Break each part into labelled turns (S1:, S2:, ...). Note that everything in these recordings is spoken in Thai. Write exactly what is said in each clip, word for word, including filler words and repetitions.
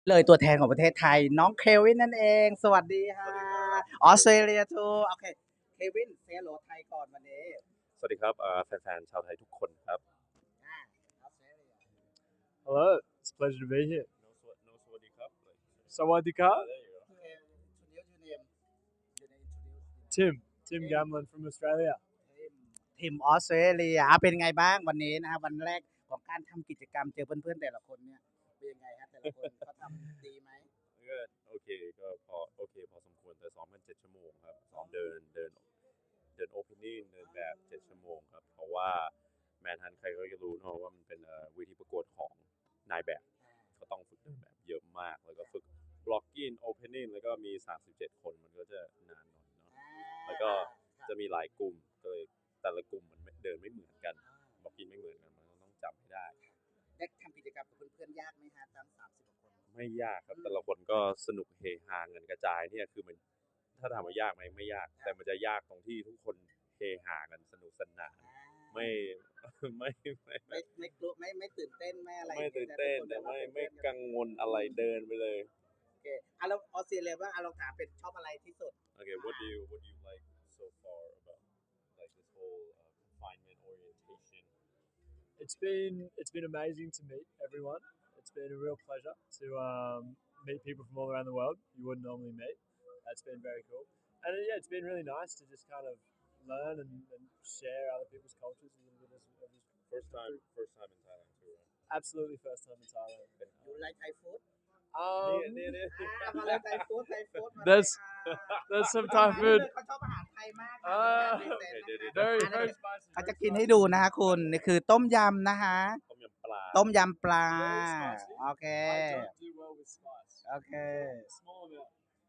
S1: เลยตัวแทนของประเทศไทยน้องเควินนั่นเองสวัสดีค่ะออสเตรเลียทูโอเคเควินเซโลไทยก่อนวันนี้
S2: สวัสดีครับแฟนๆชาวไทยทุกคนครับ
S3: Hello, it's a pleasure to be here.
S2: No สวัสดีครับ
S3: Sawadika, Tim, Tim
S1: Okay.
S3: Gamlin from Australia.
S1: ทีมออสเตรเลียเป็นไงบ้างวันนี้นะครับวันแรกของการทำกิจกรรมเจอเพื่อนๆแต่ละคนเนี่ยเป็นยังไงครับแต่ละคนเขาทำดีไหม
S2: ก็โอเคก็พอโอเคพอสมควรแต่ซ้อมกันเจ็ดชั่วโมงครับซ้อมเดินเดินเดินโอเพนนิ่งเดินแบบเจ็ดชั่วโมงครับเพราะว่าแมนฮันใครก็จะรู้เนอะว่ามันเป็นเวทีประกวดของนายแบบก็ต้องฝึกเดินแบบเยอะมากแล้วก็ฝึกบล็อกกิ้งโอเพนนิ่งแล้วก็มีสามสิบเจ็ดคนมันก็จะนานหน่อยเนาะแล้วก็จะมีหลายกลุ่มก็เลยแต่ละกลุ่มมันเดินไม่เหมือนกันบล็อกกิ้งไม่เหมือนกันมันต้องจำให้ได้
S1: ได้ทำกิจกรรมกับเพื่อนๆยากไหมฮะทั้งสามสิบคน
S2: ไม่ยากครับแต่ละคนก็สนุกเฮฮาเงินกระจายเนี่ยคือมันถ้าถามว่ายากไหมไม่ยากแต่มันจะยากตรงที่ทุกคนเฮฮากันสนุกสนานไม่ไม่ไม่
S1: ไม่ไม่กลัวไม่ไม่ตื่นเต้นไม่อะไร
S2: ไม่ตื่นเต้นแต่ไม่ไม่กังวลอะไรเดินไปเลย
S1: โอเคอ่ะเราออสเตรเลียบ้างอ่ะเราถามเป็นชอบอะไรที่สุด
S2: Okay what do you what do you like so far about like this whole uh, confinement orientation
S3: It's been it's been amazing to meet everyone. It's been a real pleasure to um, meet people from all around the world you wouldn't normally meet. That's been very cool. And uh, yeah, it's been really nice to just kind of learn and, and share other people's cultures a little bit as, as
S2: first time first time in Thailand too right?
S3: Absolutely first time in Thailand.
S1: You like Thai food?
S3: Um,
S2: เนี่ยเนี่ย
S1: อ่ามาเลยไทยฟู้ดไทยฟู้ดมาเลย
S3: there's
S1: ค่ะ
S3: there's some Thai food.
S1: เขาชอบอาหารไทยมาก
S3: อ่า Very very spicy.
S1: เขาจะกินให้ดูนะคะคุณนี่คือต้มยำนะคะ
S2: ต้มยำปลา
S1: ต้มยำปลา
S3: Very spicy.
S1: โอเค
S3: I don't do well with spice.
S1: โอเค
S3: Small amount.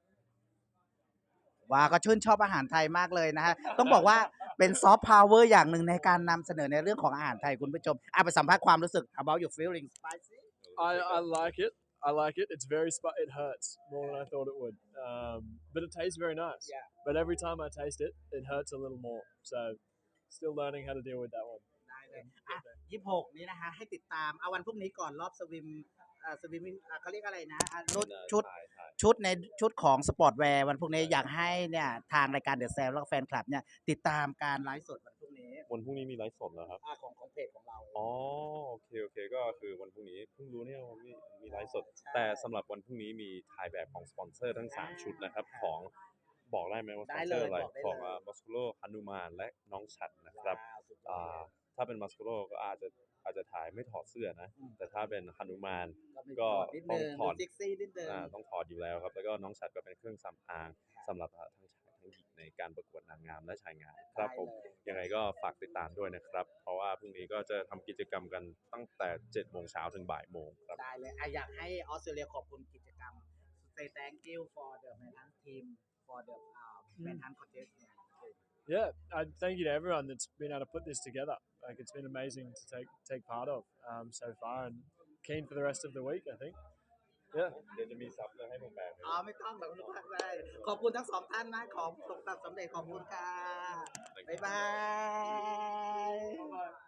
S1: ว่าก็ชื่นชอบอาหารไทยมากเลยนะฮะต้องบอกว่าเป็นซอฟต์พาวเวอร์อย่างหนึ่งในการนำเสนอในเรื่องของอาหารไทยคุณผู้ชมอ่ะไปสัมภาษณ์ความรู้สึก about your feeling spicy
S3: I, I like it. I like it. It's very spi- it hurts more than I thought it would. Um, but it tastes very nice.
S1: Yeah.
S3: But every time I taste it, it hurts a little more. So still learning how to deal with that one.
S1: ได้เลยอ่ะยี่สิบหกนี้นะคะให้ติดตามเอาวันพรุ่งนี้ก่อนรอบสวิมอ่าสวิมอ่าเขาเรียกอะไรนะอ่าชุดชุดชุดในชุดของสปอร์ตแวร์วันพรุ่งนี้อยากให้เนี่ยทางรายการเดอะแซมแล้วก็แฟนคลับเนี่ยติดตามการไลฟ์สดวันพรุ่งนี้
S2: วันพรุ่งนี้มีไลฟ์สดเหรอครับ
S1: อ่าของของเพจของเรา
S2: อ๋อโอเคโอเคก็คือวันพรุ่งนี้เพิ่งรู้เนี่ยว่ามีมีไลฟ์สดแต่สำหรับวันพรุ่งนี้มีถ่ายแบบของสปอนเซอร์ทั้งสามชุดนะครับของบอกได้ไหมว่าสปอนเซอร์อะไรของมัสโคโลฮานุมานและน้องฉัดนะครับอ่าถ้าเป็นมัสโคโลก็อาจจะอาจจะถ่ายไม่ถอดเสื้อนะแต่ถ้าเป็นฮานุมานก็ต้องถอดอ่าต้องถอดอยู่แล้วครับแล้วก็น้องฉัดก็เป็นเครื่องสำอางสำหรับทั้งชายทั้งหญิงในการประกวดนางงามและชายงามครับผมยังไงก็ฝากติดตามด้วยนะครับเพราะว่าพรุ่งนี้ก็จะทำกิจกรรมกันตั้งแต่เจ็ดโมงเช้าถึงบ่ายโมงครับ
S1: ได้เลยอยากให้ออสเตรเลียขอบคุณกิจกรรม say thank you for the Manhunt team for the uh, Manhunt contest
S3: Yeah, I thank you to everyone that's been able to put this together. Like it's been amazing to take take part of um, so far, and keen for the rest of the week. I think. Yeah.
S2: เดี๋ยวจะมีซับให้ผมแปล
S1: อ๋อไม่ต้องหรอกลูกได้ขอบคุณทั้งสองท่านนะขอสมสำเร็จขอบคุณค่ะบ๊ายบาย